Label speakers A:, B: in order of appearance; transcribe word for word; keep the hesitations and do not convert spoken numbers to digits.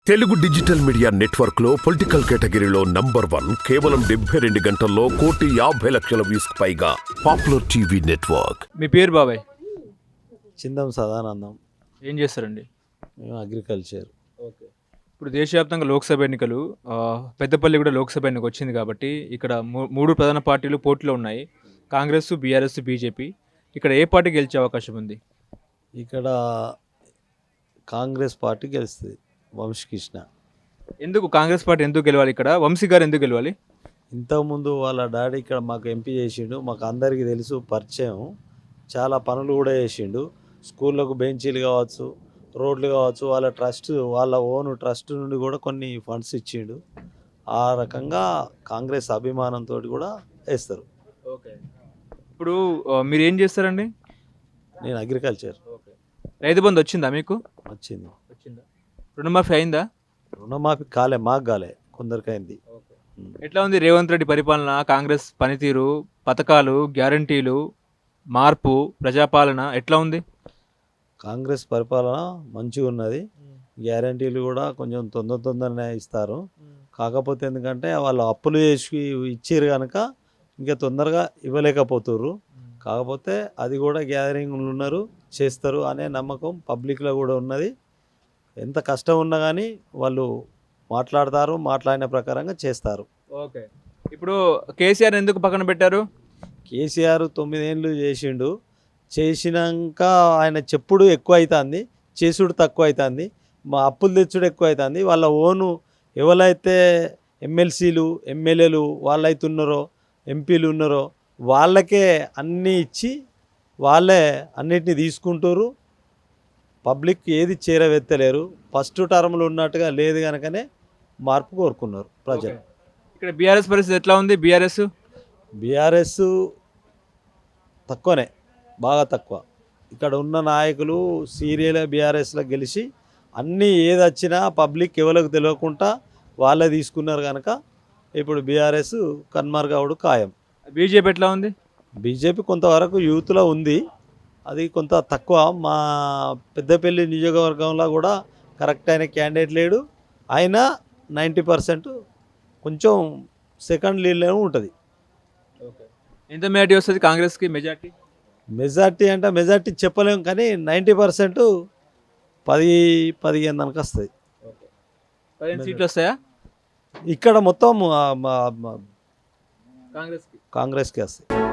A: Telugu digital media network లో political కేటగిరీలో number one కేవలం డెబ్బై రెండు గంటల్లో కోటి యాభై లక్షల వ్యూస్ పైగా పాపులర్ టీవీ నెట్వర్క్.
B: మీ పేరు బాబాయ్?
C: చిందం సదానందం.
B: ఏం చేస్తారండి?
C: మేము అగ్రికల్చర్.
B: ఓకే. ఇప్పుడు దేశవ్యాప్తంగా లోక్సభ ఎన్నికలు, ఆ, పెద్దపల్లి కూడా లోక్సభ ఎన్నిక వచ్చింది కాబట్టి ఇక్కడ మూ- మూడు ప్రధాన పార్టీలు పోటీలో ఉన్నాయి. Congress, BRS, BJP. ఇక్కడ ఏ పార్టీ గెలిచే అవకాశం ఉంది?
C: ఇక్కడ కాంగ్రెస్ పార్టీ గెలుస్తుంది. వంశకృష్ణ
B: ఎందుకు కాంగ్రెస్ పార్టీ ఎందుకు గెలవాలి? ఇక్కడ వంశీ గారు ఎందుకు గెలవాలి?
C: ఇంతకుముందు వాళ్ళ డాడీ ఇక్కడ మాకు ఎంపీ చేసిండు, మాకు అందరికీ తెలుసు, పరిచయం. చాలా పనులు కూడా చేసిండు. స్కూళ్ళకు బెంచీలు కావచ్చు, రోడ్లు కావచ్చు, వాళ్ళ ట్రస్ట్, వాళ్ళ ఓన్ ట్రస్ట్ నుండి కూడా కొన్ని ఫండ్స్ ఇచ్చిండు. ఆ రకంగా కాంగ్రెస్ అభిమానంతో కూడా వేస్తారు.
B: ఓకే. ఇప్పుడు ఆ, మీరు ఏం చేస్తారండి?
C: నేను అగ్రికల్చర్.
B: ఓకే. రైతు బంధు వచ్చిందా మీకు?
C: వచ్చింది.
B: వచ్చిందా? రుణమాఫీ అయిందా?
C: రుణమాఫీ కాలే, మాకు కాలే, కొందరికైంది.
B: ఎట్లా ఉంది రేవంత్ రెడ్డి పరిపాలన, కాంగ్రెస్ పనితీరు, పథకాలు, గ్యారంటీలు, మార్పు, ప్రజాపాలన ఎట్లా ఉంది?
C: కాంగ్రెస్ పరిపాలన మంచిగా ఉన్నది. గ్యారంటీలు కూడా కొంచెం తొందర తొందరనే ఇస్తారు. కాకపోతే ఎందుకంటే వాళ్ళు అప్పులు చేసి ఇచ్చారు కనుక ఇంకా తొందరగా ఇవ్వలేకపోతుర్రు. కాకపోతే అది కూడా గ్యాదరింగ్లు ఉన్నారు, చేస్తారు అనే నమ్మకం పబ్లిక్లో కూడా ఉన్నది. ఎంత కష్టం ఉన్నా కానీ వాళ్ళు మాట్లాడతారు, మాట్లాడిన ప్రకారంగా చేస్తారు.
B: ఓకే. ఇప్పుడు కేసీఆర్ ఎందుకు పక్కన పెట్టారు?
C: కేసీఆర్ తొమ్మిదేళ్ళు చేసిండు. చేసినాక ఆయన చెప్పుడు ఎక్కువ అవుతుంది, చేసుడు తక్కువ అవుతుంది, మా అప్పులు తెచ్చుడు ఎక్కువ అవుతుంది. వాళ్ళ ఓను ఎవరైతే ఎమ్మెల్సీలు, ఎమ్మెల్యేలు వాళ్ళైతే ఉన్నారో, ఎంపీలు ఉన్నారో వాళ్ళకే అన్నీ ఇచ్చి వాళ్ళే అన్నిటిని తీసుకుంటారు. పబ్లిక్ ఏది చేరవెత్తలేరు. ఫస్ట్ టర్మ్లో ఉన్నట్టుగా లేదు కనుకనే మార్పు కోరుకున్నారు ప్రజలు.
B: ఇక్కడ బీఆర్ఎస్ పరిస్థితి ఎట్లా ఉంది? బీఆర్ఎస్
C: బీఆర్ఎస్ తక్కువనే, బాగా తక్కువ. ఇక్కడ ఉన్న నాయకులు సీరియల్ బీఆర్ఎస్లో గెలిచి అన్నీ ఏది వచ్చినా పబ్లిక్ ఎవరికి తెలియకుండా వాళ్ళే తీసుకున్నారు కనుక ఇప్పుడు బీఆర్ఎస్ కన్మరుగవుడు ఖాయం.
B: బీజేపీ ఎట్లా ఉంది?
C: బీజేపీ కొంతవరకు యూత్లో ఉంది, అది కొంత తక్కువ. మా పెద్దపల్లి నియోజకవర్గంలో కూడా కరెక్ట్ అయిన క్యాండిడేట్ లేడు. అయినా నైంటీ పర్సెంట్ కొంచెం సెకండ్ లీడ్లోనే ఉంటుంది.
B: ఎంత మెజార్టీ వస్తుంది కాంగ్రెస్కి? మెజార్టీ
C: మెజార్టీ అంటే మెజార్టీ చెప్పలేము కానీ నైంటీ పర్సెంట్ పది పదిహేను దానికి వస్తుంది.
B: పదిహేను సీట్లు వస్తాయా
C: ఇక్కడ మొత్తం ఆ, మా- మా
B: కాంగ్రెస్కి?
C: కాంగ్రెస్కి వస్తాయి.